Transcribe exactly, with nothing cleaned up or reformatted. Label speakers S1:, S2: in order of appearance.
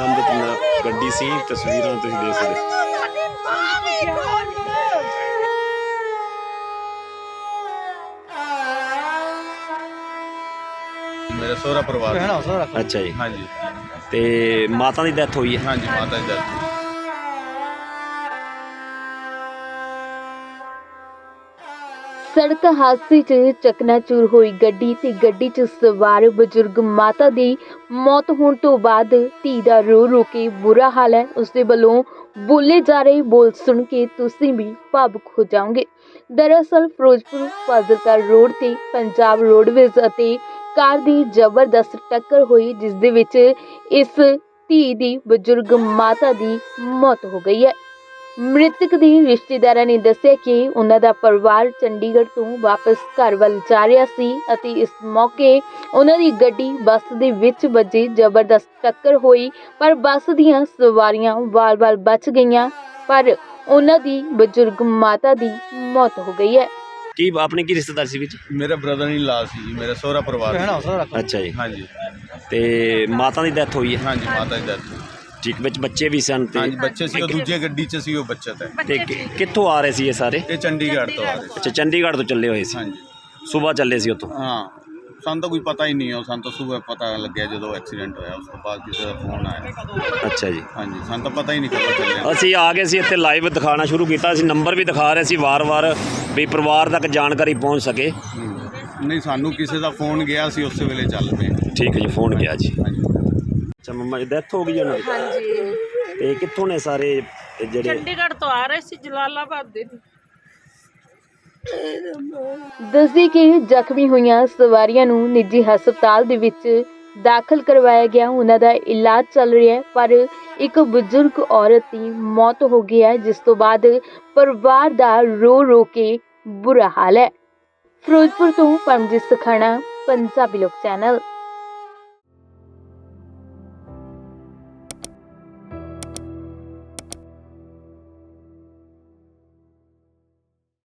S1: ਸੰਬੰਧਿਤ ਨ- ਗੱਡੀ ਸੀ। ਤਸਵੀਰਾਂ ਤੁਸੀਂ ਦੇਖ ਸਕਦੇ ਹੋ।
S2: मेरा सोहरा परिवार है।
S1: अच्छा जी।
S2: हाँ जी
S1: ते माता की डेथ हुई है।
S2: हाँ जी माता जी डेथ।
S3: ਸੜਕ ਹਾਦਸੇ 'ਚ ਚਕਨਾਚੂਰ ਹੋਈ ਗੱਡੀ ਤੇ ਗੱਡੀ 'ਚ ਸਵਾਰ ਬਜ਼ੁਰਗ ਮਾਤਾ ਦੀ ਮੌਤ ਹੋਣ ਤੋਂ ਬਾਅਦ ਧੀ ਦਾ ਰੋ ਰੋ ਕੇ ਬੁਰਾ ਹਾਲ ਹੈ। ਉਸਦੇ ਵੱਲੋਂ ਬੋਲੇ ਜਾ ਰਹੇ ਬੋਲ ਸੁਣ ਕੇ ਤੁਸੀਂ ਵੀ ਭਾਵੁਕ ਹੋ ਜਾਓਗੇ। ਦਰਅਸਲ ਫਿਰੋਜ਼ਪੁਰ ਫਾਜ਼ਿਲਕਾ ਰੋਡ ਤੇ ਪੰਜਾਬ ਰੋਡਵੇਜ਼ ਅਤੇ ਕਾਰ ਦੀ ਜ਼ਬਰਦਸਤ ਟੱਕਰ ਹੋਈ, ਜਿਸ ਦੇ ਵਿੱਚ ਇਸ ਧੀ ਦੀ ਬਜ਼ੁਰਗ ਮਾਤਾ ਦੀ ਮੌਤ ਹੋ ਗਈ ਹੈ। ਮ੍ਰਿਤਕ ਦੇ ਰਿਸ਼ਤੇਦਾਰਾਂ ਨੇ ਦੱਸਿਆ ਕਿ ਉਹਨਾਂ ਦਾ ਪਰਿਵਾਰ ਚੰਡੀਗੜ੍ਹ ਤੋਂ ਵਾਪਸ ਘਰ ਵੱਲ ਜਾ ਰਿਹਾ ਸੀ ਅਤੇ ਇਸ ਮੌਕੇ ਉਹਨਾਂ ਦੀ ਗੱਡੀ ਬੱਸ ਦੇ ਵਿੱਚ ਵੱਜੀ। ਜ਼ਬਰਦਸਤ ਟੱਕਰ ਹੋਈ ਪਰ ਬੱਸ ਦੀਆਂ ਸਵਾਰੀਆਂ ਵਾਲ-ਵਾਲ ਬਚ ਗਈਆਂ, ਪਰ ਉਹਨਾਂ ਦੀ ਬਜ਼ੁਰਗ ਮਾਤਾ ਦੀ ਮੌਤ ਹੋ ਗਈ ਹੈ।
S1: ਕੀ ਆਪਣੀ ਕੀ ਰਿਸ਼ਤੇਦਾਰ ਸੀ ਵਿੱਚ?
S2: मेरा ब्रदर इन ला सी जी, मेरा सोहरा परिवार है।
S1: अच्छा जी।
S2: हाँ जी
S1: ਤੇ ਮਾਤਾ ਦੀ ਡੈਥ ਹੋਈ ਹੈ।
S2: हाँ जी माता जी डेथ।
S1: ਠੀਕ ਵਿੱਚ ਬੱਚੇ ਵੀ ਸਨ ਤੇ
S2: हाँ जी बच्चे सी दूजे गड्डी च सी वो बच्चा था।
S1: ਤੇ ਕਿ- ਕਿੱਥੋਂ ਆ ਰਹੇ ਸੀ ਇਹ ਸਾਰੇ?
S2: ये चंडीगढ़ तो आ रहे थे।
S1: ਅੱਛਾ ਚੰਡੀਗੜ੍ਹ ਤੋਂ ਚੱਲੇ ਹੋਏ ਸੀ।
S2: हाँ जी
S1: ਸਵੇਰ ਚੱਲੇ ਸੀ ਉੱਥੋਂ।
S2: हाँ ਸਾਨੂੰ ਤਾਂ ਕੋਈ ਪਤਾ ਹੀ ਨਹੀਂ ਹੈ। ਸਾਨੂੰ ਤਾਂ ਸਵੇਰ ਪਤਾ ਲੱਗਿਆ ਜਦੋਂ ਐਕਸੀਡੈਂਟ ਹੋਇਆ, ਉਸ ਤੋਂ ਬਾਅਦ ਕਿਸੇ ਦਾ ਫੋਨ ਆਇਆ।
S1: ਅੱਛਾ ਜੀ।
S2: ਹਾਂਜੀ ਸਾਨੂੰ ਤਾਂ ਪਤਾ ਹੀ ਨਹੀਂ ਕਦੋਂ ਚੱਲਿਆ।
S1: ਅਸੀਂ ਆ ਗਏ ਸੀ ਇੱਥੇ ਲਾਈਵ ਦਿਖਾਉਣਾ ਸ਼ੁਰੂ ਕੀਤਾ। ਅਸੀਂ ਨੰਬਰ ਵੀ ਦਿਖਾ ਰਹੇ ਸੀ ਵਾਰ-ਵਾਰ ਵੀ ਪਰਿਵਾਰ ਤੱਕ ਜਾਣਕਾਰੀ ਪਹੁੰਚ ਸਕੇ।
S2: ਹੂੰ। ਨਹੀਂ ਸਾਨੂੰ ਕਿਸੇ ਦਾ ਫੋਨ ਗਿਆ ਸੀ, ਉਸੇ ਵੇਲੇ ਚੱਲ ਪਏ।
S1: ਠੀਕ ਹੈ ਜੀ, ਫੋਨ ਗਿਆ ਜੀ।
S2: ਹਾਂਜੀ
S1: ਅੱਛਾ ਮੰਮਾ ਜੀ ਡੈਥ ਹੋ ਗਈ ਉਹਨਾਂ ਦੀ?
S4: ਹਾਂਜੀ
S1: ਤੇ ਕਿੱਥੋਂ ਨੇ ਸਾਰੇ ਇਹ ਜਿਹੜੇ?
S4: ਚੰਡੀਗੜ੍ਹ ਤੋਂ ਆ ਰਹੇ ਸੀ ਜਲਾਲਾਬਾਦ ਦੇ।
S3: ਦੱਸਦੀ ਕਿ ਜ਼ਖਮੀ ਹੋਈਆਂ ਸਵਾਰੀਆਂ ਨੂੰ ਨਿੱਜੀ ਹਸਪਤਾਲ ਦੇ ਵਿੱਚ ਦਾਖਲ ਕਰਵਾਇਆ ਗਿਆ। ਉਹਨਾਂ ਦਾ ਇਲਾਜ ਚੱਲ ਰਿਹਾ ਹੈ, ਪਰ ਇੱਕ ਬਜ਼ੁਰਗ ਔਰਤ ਦੀ ਮੌਤ ਹੋ ਗਈ ਹੈ, ਜਿਸ ਤੋਂ ਬਾਅਦ ਪਰਿਵਾਰ ਦਾ ਰੋ ਰੋ ਕੇ ਬੁਰਾ ਹਾਲ ਹੈ। ਫਿਰੋਜ਼ਪੁਰ ਤੋਂ ਪਰਮਜੀਤ ਸਖਾਣਾ, ਪੰਜਾਬੀ ਲੋਕ ਚੈਨਲ।